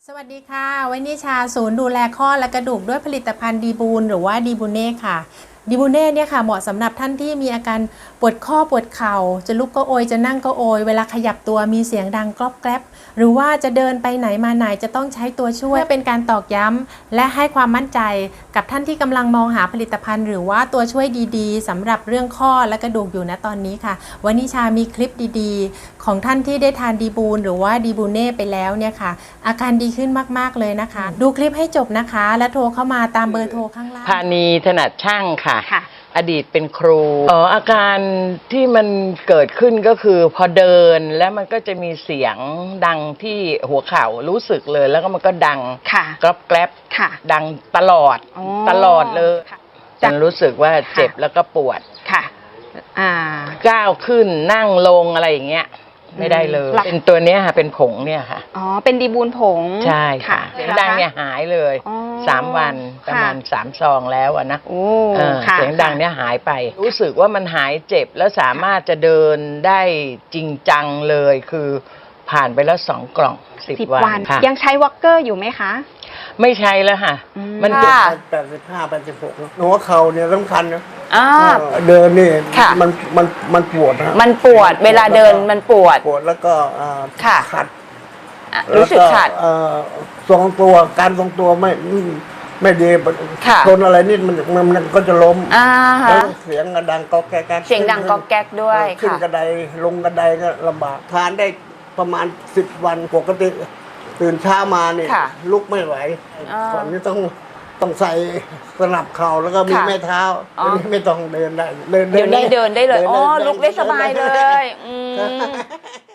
สวัสดีค่ะวันนี้ชาศูนย์ดูแลข้อและกระดูกด้วยผลิตภัณฑ์ดีบูนหรือว่าดีบูเน่ค่ะดีบูเน่เนี่ยค่ะเหมาะสำหรับท่านที่มีอาการปวดข้อปวดเข่าจะลุกก็โอยจะนั่งก็โอยเวลาขยับตัวมีเสียงดังกรอบแกรบหรือว่าจะเดินไปไหนมาไหนจะต้องใช้ตัวช่วยเป็นการตอกย้ำและให้ความมั่นใจกับท่านที่กำลังมองหาผลิตภัณฑ์หรือว่าตัวช่วยดีๆสำหรับเรื่องข้อและกระดูกอยู่ณตอนนี้ค่ะวันนี้ชามีคลิปดีๆของท่านที่ได้ทานดีบูนหรือว่าดีบูเน่ไปแล้วเนี่ยค่ะอาการดีขึ้นมากๆเลยนะคะดูคลิปให้จบนะคะและโทรเข้ามาตามเบอร์โทรข้างล่างพานีถนัดช่างค่ะอดีตเป็นครูอาการที่มันเกิดขึ้นก็คือพอเดินแล้วมันก็จะมีเสียงดังที่หัวเข่ารู้สึกเลยแล้วก็มันก็ดังกรอบแกรบดังตลอดเลยฉันรู้สึกว่าเจ็บแล้วก็ปวดก้าวขึ้นนั่งลงอะไรอย่างเงี้ยไม่ได้เลยเป็นตัวเนี้ยค่ะเป็นผงเนี่ยค่ะอ๋อเป็นดีบูนผงใช่ค่ะเสียงดังเนี่ยหายเลย3 วันประมาณ3 ซองแล้วอะนะเสียงดังเนี่ยหายไปรู้สึกว่ามันหายเจ็บแล้วสามารถจะเดินได้จริงจังเลยคือผ่านไปแล้ว2 กล่อง10 วันยังใช้วอล์กเกอร์อยู่ไหมคะไม่ใช้แล้วค่ะมันเจ็บ85 86หัวเข่าเนี่ยสำคัญนะเดินนี่มันปวดนะมันปวดเวลาเดินมันปวดแล้วก็ขัดรู้สึกขัดทรงตัวการทรงตัวไม่ดีชนอะไรนิดมันก็จะล้มแล้วเสียงดังก๊อกแก๊กเสียงดังก๊อกแก๊กด้วยขึ้นกระไดลงกระไดก็ลำบากทานได้ประมาณ10 วันปกติตื่นเช้ามาเนี่ยลุกไม่ไหวก่อนนี้ต้องใส่สนับเข่าแล้วก็มีแม่เท้าไม่ต้องเดินได้เดี๋ยวนี้เดินได้เลยอ๋อลุกได้สบายเลย